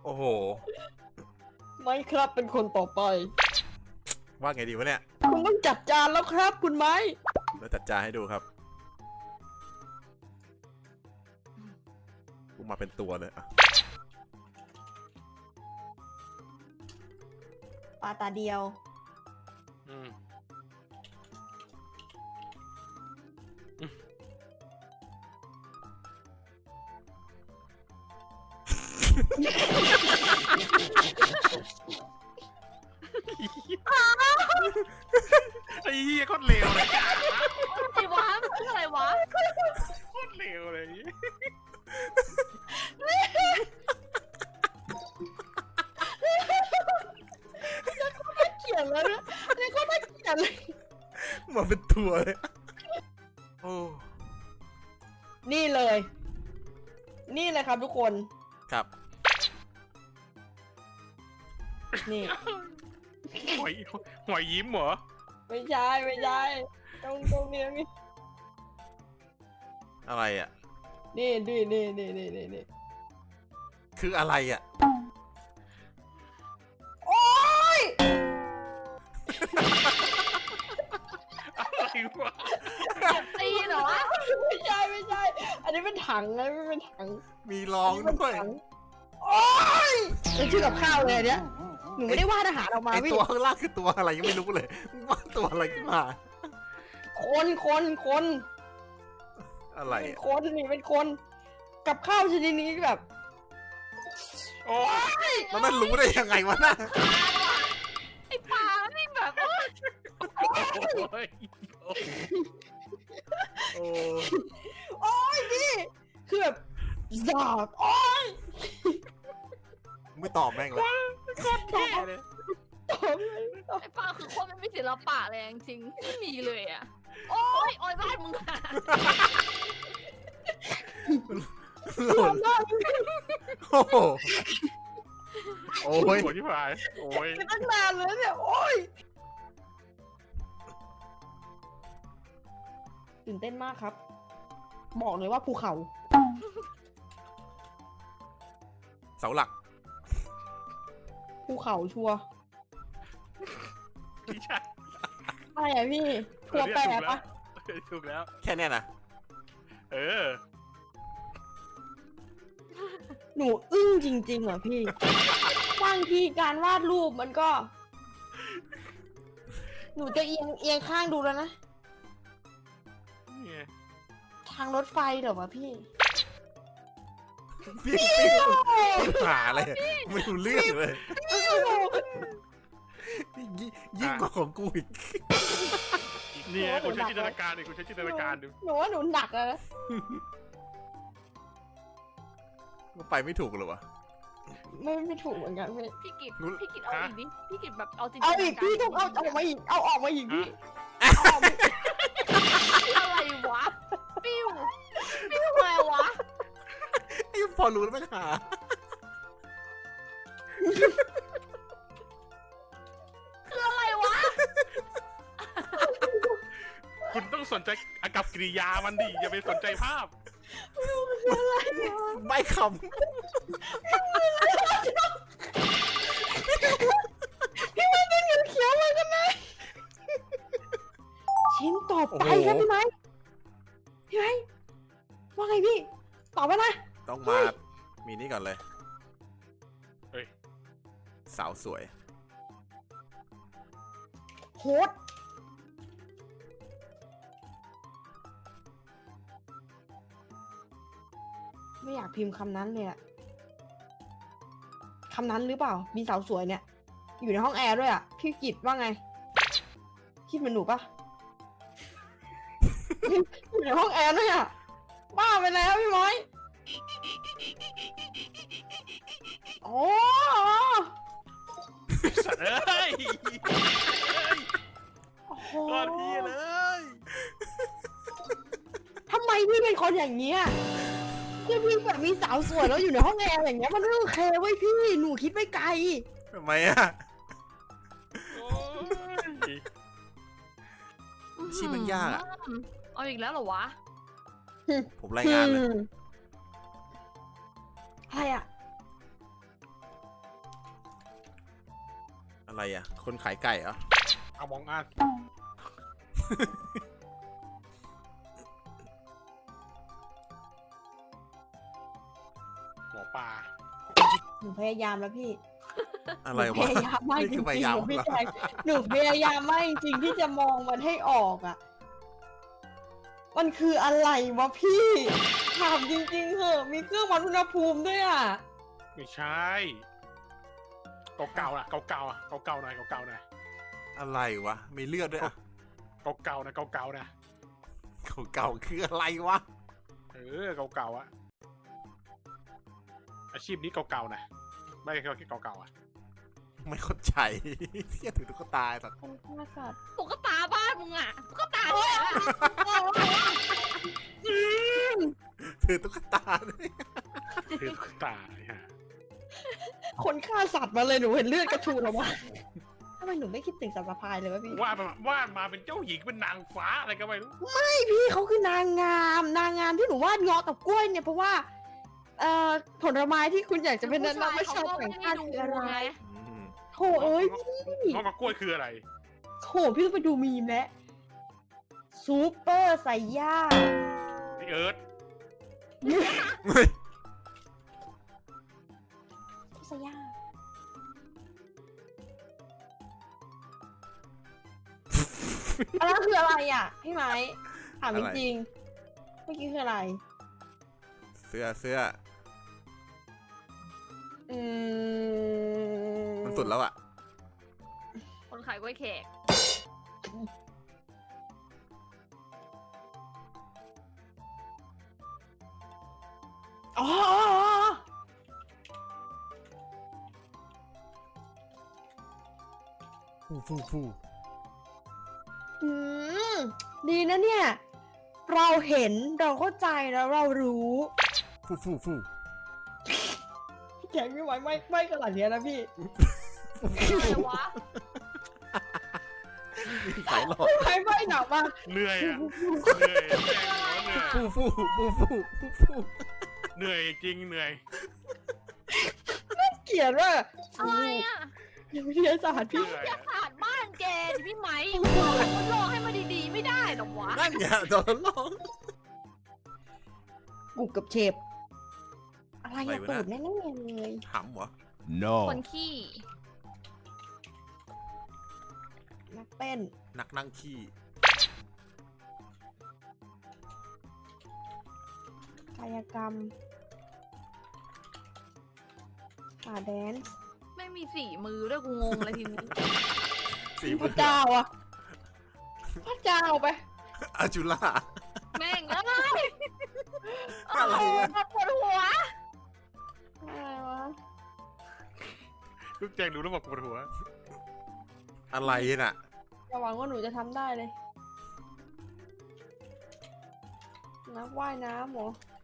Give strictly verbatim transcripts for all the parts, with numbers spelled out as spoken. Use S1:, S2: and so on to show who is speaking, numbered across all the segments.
S1: อ้โห
S2: ไม่ครับเป็นคนต่อไป
S1: ว่าไงดีวะเนี่ย
S2: คุณต้องจัดจานแล้วครับคุณไม้
S1: แล้วจัดจานให้ดูครับกูมาเป็นตัวเลยอะ
S2: ปลาตาเดียว
S3: อืมไอ้เหี้ยโคตรเลวเลย
S4: ไอ้วะมันคืออะไรวะ
S3: โคตรเลวเลย
S2: เขียนแล้วนะนี่ก็ไม่เขียนเลย
S1: มาเป็นตัวเลยโอ้
S2: นี่เลย นี่เลยครับทุกคน
S1: ครับ
S2: นี่
S3: หอยหอยยิ้มเหรอ
S2: ไม่ใช่ไม่ใช่ตรงตรงนี้นี่
S1: อะไรอ่ะ
S2: นี่นี่นี่นี่นี่นี่นี่
S1: คืออะไรอ่ะ
S2: โอ๊ย
S3: อะไรวะ
S4: ตีเหรอวะ
S2: ไม่ใช่ไม่ใช่อันนี้เป็นถังนะไม่เป็นถัง
S1: มีรองด้วย
S2: โอ๊ยเป็นชื่อกับข้าวเลยเนี่ยหนูไม่ได้วาดอาหารออกมา
S1: ไอตัวข้างล่างคือตัวอะไรยังไม่รู้เลยว่าตัวอะไรขึ้นมา
S2: คนคนคน
S1: อะไร
S2: คนนี่เป็นคนกับข้าวชนิดนี้แบบ
S3: โอ้
S1: ยแล้วมันรู้ได้ยังไงวะน่ะ
S4: ไอปลานี่แบบโอ้ย
S1: โอ้
S2: โอ้ยนี่คือแบบสาบโอ้ย
S1: ไม่ตอบแม่งเลย
S3: โคตรเท่เลย
S4: ไอปลาคือคนไม่มีศิลปะเลยจริงไม่มีเลยอ่ะโอ้ยโอ้ยบ้านมึงอะ
S1: หล่นโอ้โหโอ้ย
S3: โอ้ยที่ผ่านโอ้ย
S2: ตั้งนานเลยเนี่ยโอ้ยตื่นเต้นมากครับบอกเลยว่าภูเขา
S1: เสาหลัก
S2: ภูเขาชัวร์
S3: ไม่ใช่
S2: อะไรอ่ะพี่ตัวแปรปะ
S3: ถูกแล้ว
S1: แค่เนี้ยนะ
S3: เออ
S2: หนูอึ้งจริงๆเหรอพี่บางทีการวาดรูปมันก็หนูจะเอียงเอียงข้างดูแล้วนะทางรถไฟเหรอวะพี่
S1: พี่หาอะไรไม่รู้เรื่องเลยยิ่งกว่าของกูอีก
S3: นี่คุณใช้จินตนาการดิคุณใช้จินตนาการดู
S2: หนูว่าหนูหนักอะ
S1: ก็ไปไม่ถูกเลยวะ
S2: ไม่ไม่ถูกเหมือนกันพี่
S4: พี่กิตพี่กิตเอาอีกดิพี่กิตแบบเอาจริง
S2: เอาอีกพี่ต้องเอาออกมาอีกเอาออกมาอีกพี่
S4: อะไรวะปิ้วปิ้วอะไรวะ
S1: ไอ้พอรู้แล้วไม่หา
S4: คืออะไรวะ
S3: คุณต้องสนใจอากับกิริยามันดิอย่าไปสนใจภาพ
S1: ไม่คำ
S2: พี่ไม่เป็นเงินเขียวเลยกันไหมชิ้นต่อไปครับพี่ไม้พี่ไม้ว่าไงพี่ตอบไปนะ
S1: ต้องมามีนี่ก่อนเลย
S3: เฮ้ย
S1: สาวสวย
S2: โหดไม่อยากพิมพ์คำนั้นเลยอะคำนั้นหรือเปล่ามีสาวสวยเนี่ยอยู่ในห้องแอร์ด้วยอะพี่กิตว่าไงคิดเหมือนหนูปะอยู่ในห้องแอร์ด้วยอะบ้าไปแล้วพี่ม้อยโอ้
S3: สัตว์เอ้ย
S2: โคตร
S3: พี่เลย
S2: ทำไมพี่เป็นคนอย่างเงี้ยพี่พี่แบบมีสาวสวยแล้วอยู่ในห้องแอร์อย่างเงี้ยมันไม่โอเคเว้ยพี่หนูคิดไม่ไกล
S1: ทำไมอ่ะชีมันยากอ่ะ
S4: เอาอีกแล้วเหรอวะ
S1: ผมรายงานเลย
S2: อะไรอ่ะ
S1: อะไรอ่ะ คนขายไก่เหรอ
S3: เอามองอันหมอปลา
S2: หนูพยายามแล้วพี่
S1: อะไร
S2: หนู
S1: วะ
S2: พยายามมาก
S1: นี่
S2: จริ
S1: คื
S2: ง
S1: อ
S2: ๆ
S1: พยายาม
S2: หนูพี่
S1: เหรอ
S2: แจ๊คหนูพยายามมากจริงๆที่จะมองมันให้ออกอ่ะ มันคืออะไรวะพี่ถามจริงๆเหอะมีเครื่องวัดอุณหภูมิด้วยอ่ะ
S3: ไม่ใช่เก่าๆนะเก่าๆอ่ะเก่าๆหน่อยเก่าๆหน่อย
S1: อะไรวะ มีเลือดด้วยอ่ะ
S3: เก่าๆนะเก่าๆนะ
S1: เก่าๆคืออะไรวะ
S3: เออเก่าๆอ่ะอาชีพนี้เก่าๆนะไม่ใช่เก่าๆอ่ะ
S1: ไม่เข้าใจ เที่ยถึงตุ๊กตาสัตว์
S2: คนฆ่าสัตว์
S4: ตุ๊กตาบ้านมึงอ่ะตุ๊กตาเนี่ย
S1: ถือตุ๊กตาด้วย
S3: คือตายฮะ
S2: คนฆ่าสัตว์มาเลยหนูเห็นเลือดกระชูออกมาทำไมหนูไม่คิดถึงสัตว์สะพายเลยวะพี่
S3: วาดมาวาดมาเป็นเจ้าหญิงเป็นนางฟ้าอะไรก็ไม่รู้
S2: พี่เขาคือนางงาม นางงามที่หนูวาดเงาะกับกล้วยเนี่ยเพราะว่าเอ่อผลไม้ที่คุณอยากจะเป็นนักวิชาต่างชาติคืออะไร
S1: อืม
S2: โถเอ้ย
S3: งอกกับกล้วยคืออะไร
S2: โถพี่ต้องไปดูมีมแล้วซูเปอร์ไซย่า
S3: พี่เอิร์ธ
S1: เฮ้ย
S2: ไซย่าอันนั้นคืออะไรอ่ะพี่ไม้ถามจริงๆเมื่อกี้คืออะไร
S1: เสื้อเสื้อ
S2: อืม
S1: มันสุดแล้วอ่ะ
S4: คนขายกล้วยแขก
S2: อ๋อ
S1: ฟูฟูฟู
S2: อืมดีนะเนี่ย เราเห็นเราเข้าใจแล้วเรารู้
S1: ฟูฟูฟู
S2: แกไม่ไหวไม่ไม่ขนาดเนี้ยนะพี่
S4: อะไรวะ
S1: ขายหลอด
S2: ไม่ไม่หนักมาก
S3: เหนื่อยอ่ะเหนื่อยแจ้งว่าเหนื่อย
S1: ฟูฟูฟูฟูฟูฟู
S3: เหนื่อยจริงเหนื่อย
S2: เกลียดว่า
S4: อะไรอ่ะ
S2: วิทยาศาสตร์พี่
S3: เหนื่อย
S4: วิทยา
S3: อะ
S4: ศาสตร์บ้านแกดิพี่ไหมบอกทดลองให้มันดีๆไม่ได้หรอวะ
S1: นั่นไงโดนลอง
S2: กูกับเชฟอะไรอะตูดแน่ๆเลย
S1: หำเหรอ
S5: No.
S4: คนขี้
S2: นักเต้น
S1: นักนั่งขี้
S2: กายกรรมป่าแดนซ์
S4: ไม่มีสีมือด้วยกูงงเลยทีนี้
S1: สี
S2: พ
S1: มื
S2: ระ
S1: อ
S2: เจ้าอะพระเจ้าไป
S1: อาจุล่า
S4: แม่งเอ้ย
S1: อะไรอะ
S4: ปวดหัว
S2: อะไรวะ
S3: ลูกแจ้งรู้แล้วบอกปวดหัว
S1: อะไรน่ะ
S2: อย่าหวังว่าหนูจะทำได้เลย นักว่ายน้ำเหรอ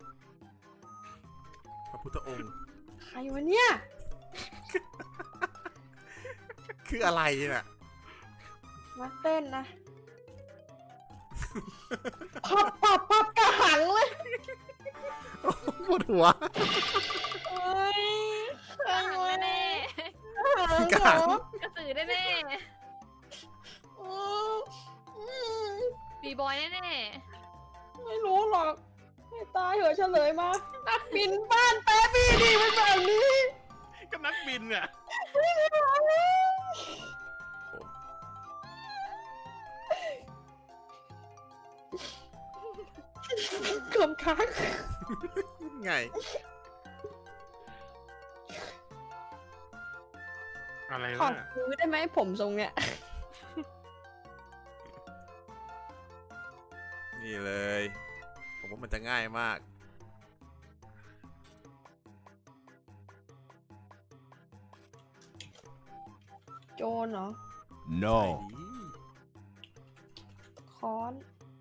S1: พระพุทธองค์
S2: ใครวะเนี่ย
S1: คืออะไรน่ะ
S2: นักเต้นนะ พับปับปับกระหังเลย
S1: ปวดหัว
S2: เอ้ยใคร
S4: กระหัง
S2: วะ
S4: แน่
S1: กระหัง
S2: เหรอ
S4: ๆกระสือแน่
S2: อืมอืม
S4: ๆบีบอยแน่
S2: ไม่รู้หรอกให้ตายเหอะเฉลยมา นักบินบ้านแป๊บบี้ดีเป็นแบบนี้
S3: ก็นักบินเนี่ย
S2: เกือบค้าง
S1: ไง
S3: อะไร
S2: ขอ
S3: วะ
S2: ซื้อได้ไหมผมทรงเนี้ย
S1: นี่เลย ผมว่ามันจะง่ายมาก
S2: โจรเหรอ
S5: No.
S2: ค้อน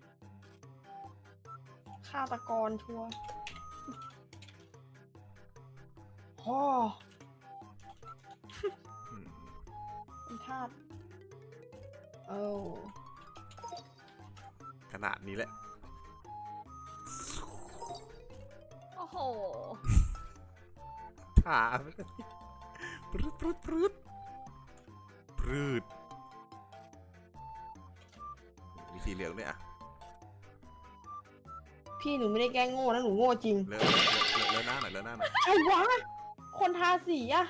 S2: ฆาตกรชัวร์ฮ่อ
S1: อืม
S2: เป็นทาสเออ
S1: ขนาดนี้แหละ
S4: ๆ โอ้โห
S1: ถามปรึ๊ดปรึ๊ดปรึ๊ดปรึ๊รืดมีสีเหลืองด้วยอ่ะ
S2: พี่หนูไม่ได้แกล้งโง่นะหนูโง่จริง
S1: เลอะเลอะเลอะหน้าหน่อยเลอะหน้าหน่อย
S2: ใครวะ คนทาสีอะ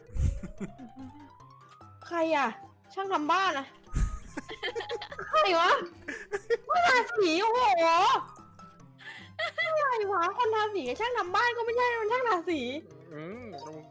S2: ใครอะช่างทำบ้านอะใครวะคนทาสีโอ้โหอะไรวะคนทาสีกับช่างทำบ้านก็ไม่ใช่มันช่างทาสี
S3: อืม